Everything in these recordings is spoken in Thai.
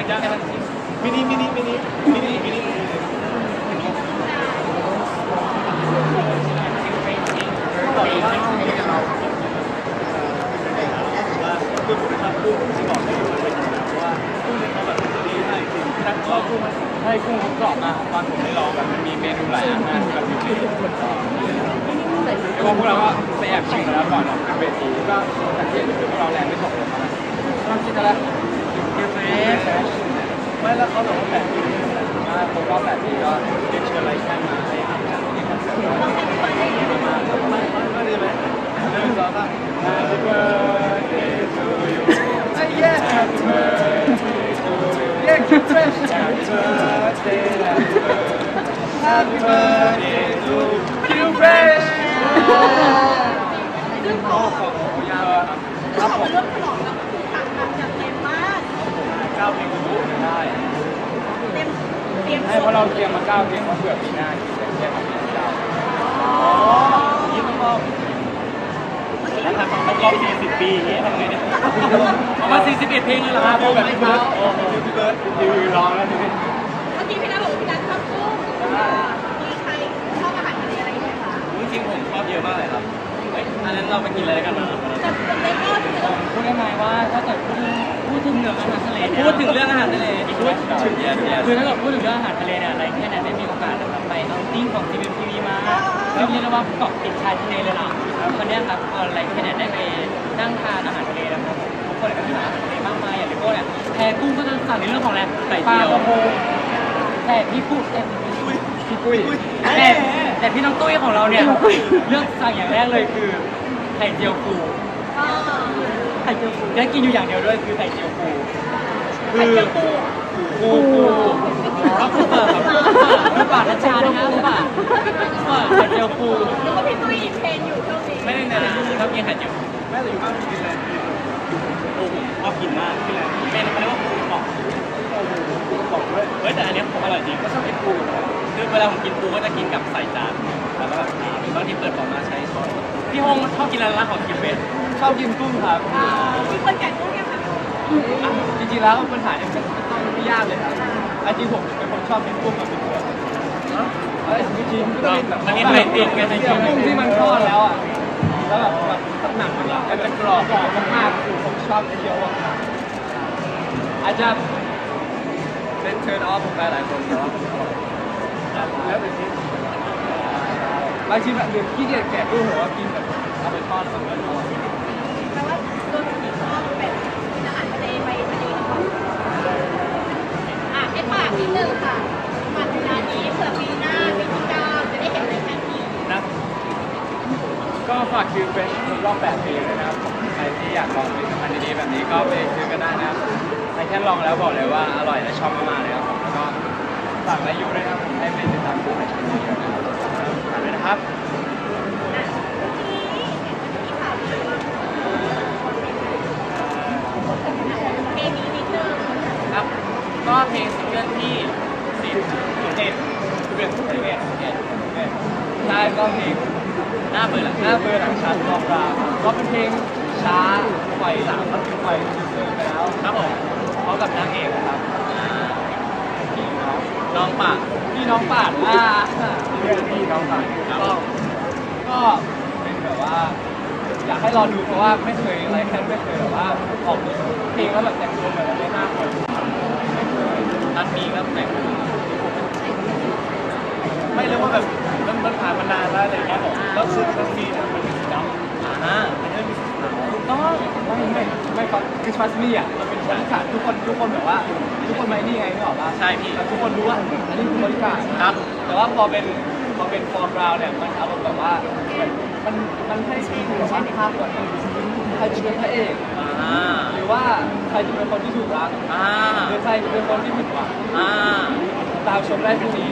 ยังมินิบอกเลยว่าช่วงนี้เราคือผมทำกุ้งที่บอกให้มันเป็นอย่างนั้นเพราะว่ากุ้งเนี่ยเขาแบบดีให้จริงถ้าเรากุ้งให้กุ้งเขากรอบมากตอนผมได้ลองแบบมันมีเมนูหลายอาหารแบบอยู่ในแล้วพวกเราก็ไปแอบชิมแล้วก่อนออกจากเวทีก็สังเกตดูพวกเราแรงไม่ตกเลยนะเราคิดอะไรเฟรชไม่แล้วเขาบอกว่าแบบนี้ผมก็แบบนี้ก็เรียนเชิญอะไรแค่มาให้อาจารย์ที่คอนเสิร์ตมาไม่ได้ไหม1 2 3 Happy birthday to you yeah Happy birthday to you yeah keep fresh Happy birthday Happy birthday to you fresh โอ้โหยาวครับผมเรื่องขนมแล้วคือถังแบบจัดเต็มมาก 9 เพลงก็ได้เตรียมให้เพราะเราเตรียมมา9 เพลงเพราะเผื่อปีหน้าคิดแต่แค่ทำเพลง9อ๋อยิ่งต้องรอบแล้วทำต้องรอบ40 ปีอย่างนี้ทำไงเนี่ยประมาณ41 เพลงเลยเหรอครับแบบพี่เบิร์ดโอ้โหพี่เบิร์ดยืนร้องแล้วนี่เมื่อกี้พี่นัทบอกว่าพี่นัทชอบกุ้งมีใครชอบอาหารทะเลอะไรไหมคะจริงๆผมชอบเยอะมากเลยครับอันนั้นเราไปกินอะไรกันมาแต่เล็กก็ถือว่าพูดได้ไหมว่าถ้าเกิดพูดถึงเรื่องอาหารทะเลเนี่ยพูดถึงเรื่องอาหารทะเลพูดถึงเยอะคือถ้าเกิดพูดถึงเรื่องอาหารทะเลเนี่ยอะไรแค่นั้นได้มีโอกาสนะครับไปเอาติ้งของ GMTV มาแล้วเรียกได้ว่าเกาะติดชายทะเลเลยล่ะวันนี้ครับอะไรแค่นั้นได้ไปนั่งทานอาหารทะเลนะครับทุกคนก็มีอาหารทะเลมากมายอย่างที่โก้เนี่ยแพรกุ้งก็จะสั่งในเรื่องของอะไรปลากระพงแต่พี่กุ้งพี่กุ้ยแต่พี่น้องตุ้ยของเราเนี่ยเลือกสั่งอย่างแรกเลยคือไข่เจียวปูไข่เจียวปูได้กินอยู่อย่างเดียวด้วยคือไข่เจียวปูคือปูครับปูปูปากนัชชานะครับปูปากไข่เจียวปูแล้วก็พี่ตุ้ยเพลงอยู่ช่วงนี้ไม่ได้ในร้านชอบกินไข่เจียวแม่แต่อยู่บ้านกินอะไรโอ้โหชอบกินมากกินอะไรเป็นเขาเรียกว่าปูกรอบปูกรอบด้วยเฮ้ยแต่อันนี้ผมอร่อยจริงก็ชอบกินปูคือเวลาผมกินปูก็จะกินกับใส่จานแล้วก็แบบบางทีเปิดออกมาใช้ช้อนพี่ฮงชอบกินอะไรร้านของกินเบสชอบกินกุ้งครับมีคนแก่กุ้งยังคะจริงๆแล้วปัญหาเนี่ยมันไม่ยากเลยครับจริงผมเป็นคนชอบกินกุ้งกับเป็นเพื่อนจริงๆก็ต้องแบบมันมีไข่ติดกันในกุ้งที่มันทอดแล้วอ่ะแล้วแบบหนังมันจะกรอบมากๆคือผมชอบเคี้ยวอาจจะเป็นเทิร์นออฟผมไปหลายคนแต่ว่าผมอร่อยแล้วเป็นที่บางทีแบบเดือดขี้เกียจแกะกุ้งหัวกินแบบเอาไปทอดแล้วมันอร่อยแปลว่าโดนผีชอบแบบกินอาหารทะเลไปทะเลก่อนให้ฝากนิดนึงค่ะมาถึงร้านนี้เผื่อปีหน้าปีที่9จะได้เห็นอะไรแค่นี้นะก็ฝากคิวเป็นรอบ8 ปีเลยนะครับใครที่อยากลองผลิตภัณฑ์ดีๆแบบนี้ก็ไปซื้อกันได้นะครับใครแค่ลองแล้วบอกเลยว่าอร่อยและชอบมากๆเลยครับผมแล้วก็ฝากไลค์ยูด้วยนะครับผมให้เป็นติดตามดูในช่องนี้ด้วยนะครับฝากด้วยนะครับเพลงนี้นิดนึงครับก็เพลงซิงเกิลที่10ได้ก็เพลงหน้าเบื่อหลังชันรอบราก็เป็นเพลงช้าไฟหลังก็ถึงไฟซื่อๆไปแล้วครับผมพร้อมกับนางเอกนะครับพี่น้องป่าพี่น้องป่าเรื่องพี่น้องป่าก็เป็นแบบว่าอยากให้รอดูเพราะว่าไม่เคยอะไรแค่ไม่เคยแบบว่าออกเพลงแล้วแบบแต่งตัวเหมือนได้5 คนไม่เคยนัดมีก็แต่งไม่เรียกว่าแบบมันผ่านมานานแล้วอะไรอย่างเงี้ยแล้วชุดครั้งนี้เนี่ยมันเป็นสีดำมันไม่มีสีขาวถูกต้องไม่ครับคือ trust me อ่ะมันเป็นบริการทุกคนแบบว่าทุกคนไม่นี่ไงนึกออกป่ะใช่พี่ทุกคนรู้ว่าอันนี้คือบริการครับแต่ว่าพอเป็นฟอร์มราวเนี่ยมันอารมณ์แบบว่ามันให้ที่ดูว่าภาพก่อนใครจะเป็นพระเอกหรือว่าใครจะเป็นคนที่ถูกรักหรือใครจะเป็นคนที่ผิดหวังตามชมได้ที่นี้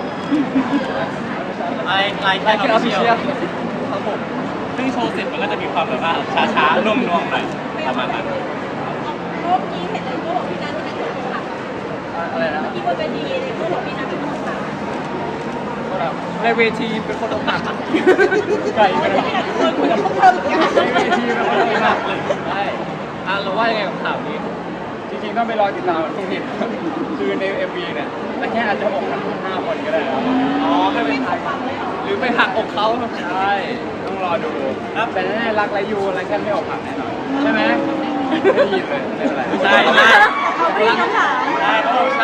ไลน์แค่ออฟฟิเชียลครับผมซึ่งโชว์เสร็จมันก็จะมีความแบบว่าช้าๆนุ่มๆหน่อยประมาณนั้นรูปนี้เห็นเลยรูปของพี่นัทที่นัทถูกขับอะไรนะที่บนเวทีเลยรูปของพี่นัทถูกขับในเวทีเป็นคนอกหักไก่เป็นคนคุยกับพวกเธอเหมือนกันในเวทีเป็นคนอกหักเลยใช่เราว่ายังไงกับข่าวนี้จริงๆต้องไปรอติดตามตรงนี้คือใน MV เนี่ยแต่แค่อาจจะอกหักทั้ง5 คนก็ได้นะอ๋อแค่เป็นไทยหรือไปหักอกเขาใช่ต้องรอดูครับแต่แน่ๆรักและยูอะไรแค่ไม่อกหักแน่นอนใช่ไหมไม่ได้ยินเลยไม่เป็นไรใช่ใช่เขาพี่คำถามใช่เขาบอกใช่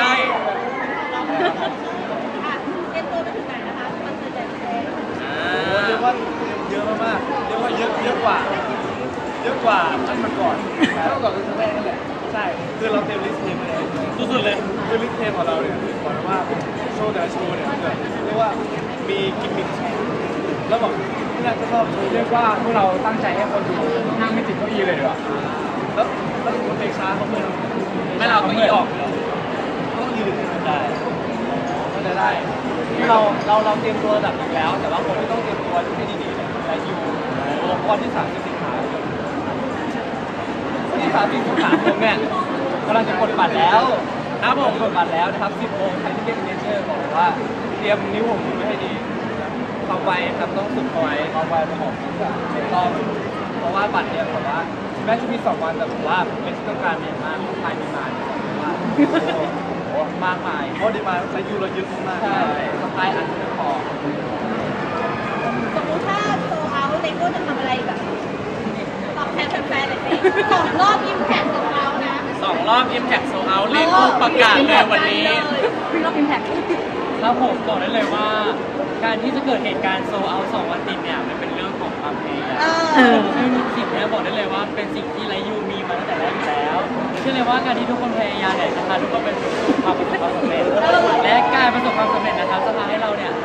เตรียมตัวไปถึงไหนนะคะคอนเสิร์ตใหญ่ประเทศเรียกว่าเยอะมากๆเรียกว่าเยอะกว่าอันมันก่อนเท่ากับครั้งแรกนั่นแหละใช่คือเราเตรียมลิสต์เพลงมาแล้วสุดๆเลยคือลิสต์เพลงของเราเนี่ยบอกเลยว่าโชว์แต่ละโชว์เนี่ยเรียกว่ามีกิมมิคแล้วบอกที่น่าจะชอบเรียกว่าพวกเราตั้งใจให้คนดูนั่งไม่ติดเก้าอี้เลยดีกว่าแล้วสมมติเพลงช้าเขาเมื่อยไม่เราเก้าอี้ออกเลยต้องยืนได้ก็จะได้เราเตรียมตัวระดับหนึ่งแล้ว แต่ว่าคนที่ต้องเตรียมตัวให้ดีๆเนี่ยและอยู่วันที่30 สิงหาคมวันที่30 สิงหาคมเนี่ยกำลังจะกดบัตรแล้วครับผมกดบัตรแล้วนะครับ 10 โมงใครที่เล่นเนเจอร์บอกเลยว่าเตรียมนิ้วผมมือไว้ให้ดีความไวครับต้องฝึกเอาไว้ความไวเป็นของทุกอย่างต้องเพราะว่าบัตรเนี่ยผมว่าแม้จะมี2 วันแต่ผมว่าเป็นที่ต้องการอย่างมากภายในมาเนี่ยว่าโอ้มากมายเพราะดีมาใช้ยูเราเยอะมากใช่สปายอันไม่พอสมมติถ้าโซเอาเลโก้จะทำอะไรแบบตอบแทนแฟนๆเลยสิ2 รอบอิมแพคโซเอานะ 2 รอบ Impact Sold Out เลโก้ประกาศเลยวันนี้รอบอิมแพคครับผมบอกได้เลยว่า การที่จะเกิดเหตุการณ์โซเอา2 วันติดเนี่ยมันเป็นเรื่องของความพยายามซึ่งสิ่งนี้บอกได้เลยว่าเป็นสิ่งที่ไรยูมีมาตั้งแต่แรกอยู่แล้วเชื่อเลยว่าการที่ทุกคนพยายามเนี่ยจะพาทุกคนไปสู่ความประสบความสำเร็จและการประสบความสำเร็จนะครับจะพาให้เราเนี่ย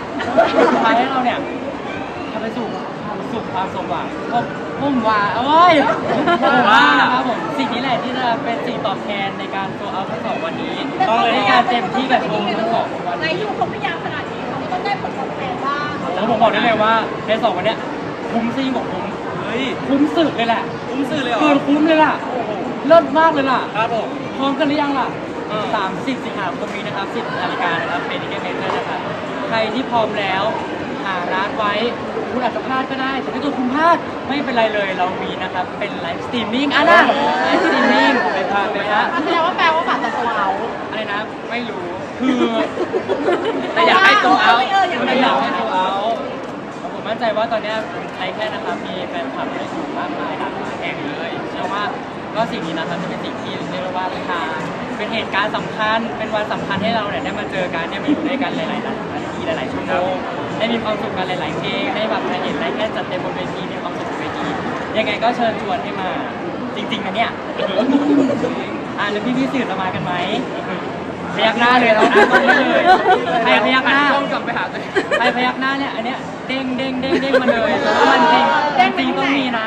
ทำไปสู่ความสมหวังผมว่าโอ้ยว่านะครับผมสิ่งนี้แหละที่จะเป็นสิ่งตอบแทนในการโซเอาทั้ง2 วันนี้ต้องเลยในการเต็มที่กับโชว์ทั้ง2 วันนายยูเขาพยายามขนาดนี้เขาก็ต้องได้ผลตอบแทนบ้างแล้วผมบอกได้เลยว่าใน2 วันเนี้ยคุ้มซิ่งของผมเฮ้ยคุ้มสุดเลยแหละคุ้มสุดเลยเหรอเกินคุ้มเลยล่ะเลิศมากเลยล่ะครับผมพร้อมกันหรือยังล่ะ30 สิงหาคมนี้นะครับ 10 นาฬิกานะครับเป็นอีกเมเจอร์นะครับใครที่พร้อมแล้วหาร้านไว้คุณอาจจะพลาดก็ได้แต่ถ้าเกิดคุณพลาดไม่เป็นไรเลยเรามีนะครับเป็นไลฟ์สตรีมมิ่งนะไลฟ์สตรีมมิ่งไม่พลาดเลยฮะแสดงว่าแปลว่าบัตรจะโซเอาอะไรนะไม่รู้คือแต่อยากให้โซเอาแต่อยากให้โซเอาผมมั่นใจว่าตอนนี้ไทยแค่นะครับมีแฟนคลับได้อยู่มากมายหลากหลายแห่งเลยเชื่อว่าก็สิ่งนี้นะครับจะเป็นสิ่งที่เรียกว่าเป็นเหตุการณ์สำคัญเป็นวันสำคัญให้เราเนี่ยได้มาเจอกันได้มาอยู่ด้วยกันหลายๆนาทีหลายๆชั่วโมงได้มีความสุขกันหลายๆเพลงได้แบบเห็นอะไรแค่จัดเต็มบนเวทีมีความสุขบนเวทียังไงก็เชิญชวนให้มาจริงๆนะเนี่ยแล้วพี่สื่อจะมากันไหมพยักหน้าเลยเราตรงนี้เลยใครพยักหน้าต้องกลับไปหาตัวใครพยักหน้าเนี่ยอันเนี้ยเด้งมาเลยเพราะมันจริงต้องมีนะ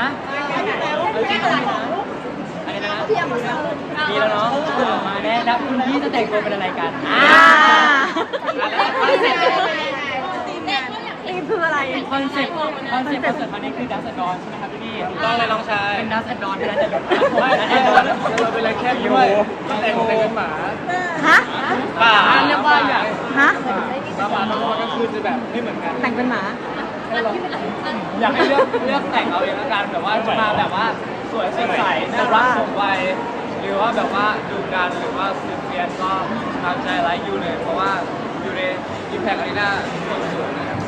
อะไรนะมีแล้วเนาะมาแน่แล้วคุณพี่จะแต่งตัวเป็นอะไรกันทีมคืออะไรคอนเซ็ปต์คอนเสิร์ตครั้งนี้คือดัสแอนด์ดอนใช่ไหมครับพี่ต้องเลยน้องชายเป็นดัสแอนด์ดอนเป็นอะไรแต่ดัสแอนด์ดอนเราเป็นอะไรแค่ด้วยแต่งเป็นหมาฮะป่าเรียกว่าอย่างฮะป่าทั้งวันก็คือจะแบบไม่เหมือนกันแต่งเป็นหมาอยากให้เลือกแต่งเอาเองละกันแบบว่าจะมาแบบว่าสวยใสน่ารักสมวัยหรือว่าแบบว่าดูกันหรือว่าสุดเพียนก็ตามใจไลค์ยูเลยเพราะว่าอยู่ในอิมแพคอารีนาสุดๆนะครับ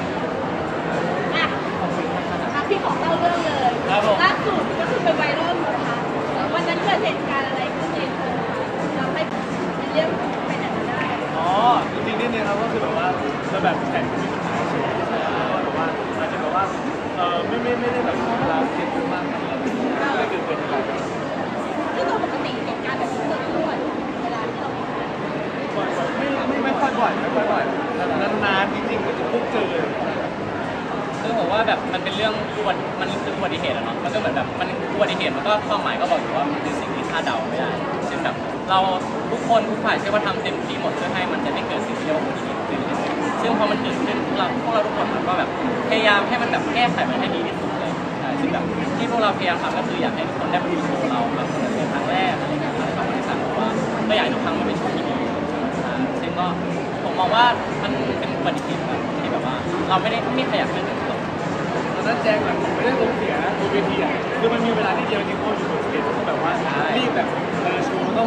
พี่ของเล่าเรื่องเลยล่าสุดก็คือเป็นไวรัลนะคะวันนั้นเกิดเหตุการณ์อะไรขึ้นในโพสทำให้เรียกไปไหนมาได้อ๋อจริงๆนิดนึงครับก็คือแบบว่าเราแบบแผนมีปัญหาใช่ไหมแบบว่าอาจจะแบบว่าไม่ได้แบบเวลาเก็บเยอะมากอะไรก็เลยเกิดเป็นอะไรซึ่งโดยปกติเหตุการณ์แบบนี้เกิดขึ้นบ่อยเวลาที่เราไม่ค่อยบ่อยนานๆจริงๆก็จะพบเจอเลยซึ่งผมว่าแบบมันเป็นเรื่องมันคืออุบัติเหตุอะเนาะมันก็เหมือนแบบมันอุบัติเหตุมันก็ความหมายก็บอกอยู่ว่ามันคือสิ่งที่คาดเดาไม่ได้ซึ่งแบบเราทุกคนทุกฝ่ายเชื่อว่าทำเต็มที่หมดเพื่อให้มันจะไม่เกิดสิ่งที่เรียกว่าอุบัติเหตุขึ้นซึ่งพอมันเกิดขึ้นพวกเราทุกคนมันก็แบบพยายามให้มันแบบแก้ไขมันให้ดีที่สุดเลยใช่ซึ่งแบบที่พวกเราพยายามทำก็คืออยากให้ทุกคนได้มาดูโชว์เราแบบเป็นครั้งแรกอะไรเงี้ยครั้งสองครั้งที่สามเพราะว่าก็อยากให้ทุกครั้งมันเป็นโชว์ที่ดีซึ่งก็ผมมองว่ามันเป็นอุบัติเหตุแบบที่แบบว่าเราไม่ขยับไม่ถึงตอนนั้นแจ้งแบบไม่ได้ลงเสียนะบนเวทีอ่ะคือมันมีเวลาที่เดียวจริงๆเพราะอยู่บนสเตจต้องแบบว่ารีบแบบโชว์ต้อง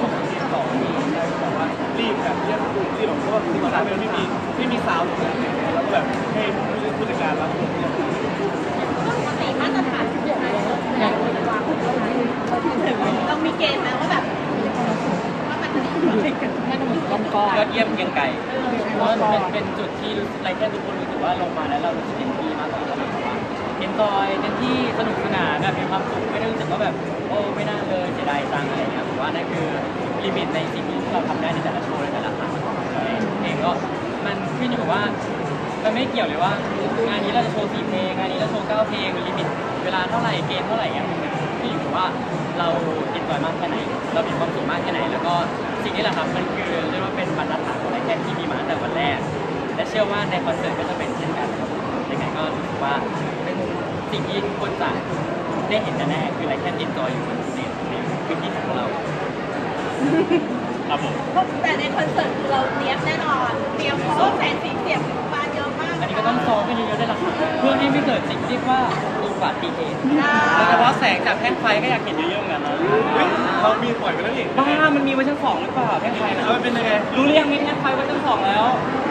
ต่อนี่ใช่บอกว่ารีบแบบรีบแบบเพราะว่าที่ตอนนั้นไม่มีซาวด์ตรงนั้นแล้วก็แบบให้ผู้จัดการรับปกติมาตรฐานของการเปิดแสดงควรจะวางไว้เท่าไหร่เรามีเกณฑ์ไหมว่าแบบว่ามันจะยอดเยี่ยมเกรียงไก่เพราะมันเป็นจุดที่ไรแค่ทุกคนรู้สึกว่าลงมาแล้วเรารู้สึกเต็มที่มากกว่าเราแบบว่าเอนจอยเต็มที่สนุกสนานแบบมีความสุขไม่ได้รู้สึกว่าแบบโอ้ไม่น่าเลยเสียดายจังอะไรเงี้ยผมว่านั่นคือลิมิตในสิ่งที่เราทำได้ในแต่ละโชว์ในแต่ละครั้งเองก็มันขึ้นอยู่กับว่ามันไม่เกี่ยวเลยว่างานนี้เราจะโชว์4เพลงงานนี้เราโชว์9เพลงลิมิตเวลาเท่าไหร่เกณฑ์เท่าไหร่เงี้ยขึ้นอยู่กับว่าเราเอนจอยมากแค่ไหนเรามีความสุขมากแค่ไหนแล้วก็สิ่งนี้แหละครับมันคือเรียกว่าเป็นบรรทัดฐานของไรแค่ที่มีมาตั้งแต่วันแรกและเชื่อว่าในคอนเสิร์ตก็จะเป็นเช่นกันครับยังไงก็รู้สึกว่าเป็นสิ่งที่ทุกคนจะได้เห็นแน่ๆคือไรแค่เอนจอยอยู่บนสเตจในพื้นที่ของเราครับผมแต่ในคอนเสิร์ตคือเราเตรียมแน่นอนเตรียมเพราะว่าแสงสีเสียงมาเยอะมากอันนี้ก็ต้องซ้อมกันเยอะๆได้ละครับเพื่อให้ไม่เกิดสิ่งที่เรียกว่าอุบัติเหตุโดยเฉพาะแสงจากแท่งไฟก็อยากเห็นเยอะๆเหมือนกันนะเขามีปล่อยไปแล้วนี่บ้ามันมีเวอร์ชัน2หรือเปล่าแท่งไฟนะมันเป็นยังไงรู้หรือยังมีแท่งไฟเวอร์ชัน2แล้ว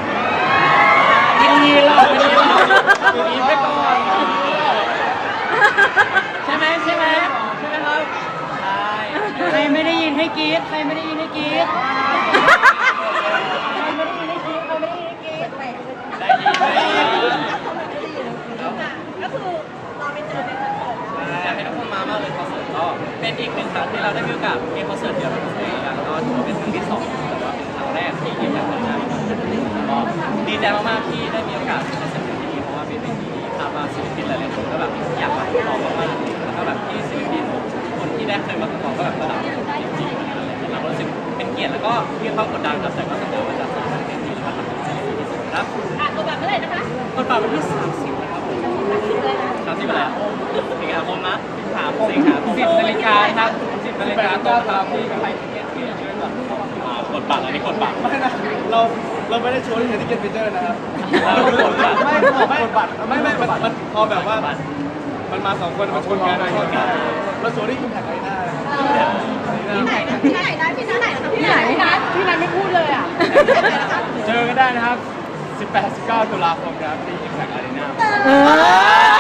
ดีๆเราดีๆไปก่อนใช่ไหมใช่ไหมใช่ไหมครับใช่ใครไม่ได้ยินให้กรี๊ดใครไม่ได้ยินให้กรี๊ดได้ยินได้ยินก็คือเราไปเจอในคอนเสิร์ตอยากให้ทุกคนมามากเลยคอนเสิร์ตก็เป็นอีกหนึ่งครั้งที่เราได้มีโอกาสเล่นคอนเสิร์ตเดียวกับตัวเองแล้วก็ถือว่าเป็นครั้งที่2แต่ว่าเป็นครั้งแรกที่ได้จัดงานก็ดีใจมากๆที่ได้มีโอกาสได้สัมผัสที่นี่เพราะว่าเป็นเวทีที่คาดว่าศิลปินหลายๆคนก็แบบอยากมาทดลองมากๆแล้วก็แบบที่ศิลปินคนที่ได้เคยมาทดลองก็แบบระดับจริงๆเรารู้สึกเป็นเกียรติแล้วก็มีความกดดันครับแต่ก็สัญญาว่าจะทำให้เต็มที่แล้วก็ทำให้ดีที่สุดครับตัวแบบเมื่อไหร่นะคะกดบัตรวันที่30นะครับผม30อะไรสิงหาคมนะสิงหาคม10 นาฬิกาครับ10 นาฬิกาต้อนรับที่ไทยทิเก็ตเพียร์ช่วยแบบกดบัตรอันนี้กดบัตรไม่นะเราไม่ได้โชว์ที่เทนนิสเกนเจอร์นะครับเรากดบัตรไม่กดบัตรไม่มันพอแบบว่ามันมา2คนมันชนกันมาโชว์ที่คุณแท็กไอหน้าที่ไหนนะที่ไหนนะที่ไหนนะคะที่ไหนนะที่ไหนไม่พูดเลยอ่ะเจอกันได้นะครับ 18-19 ตุลาคมครับที่ Impact Arena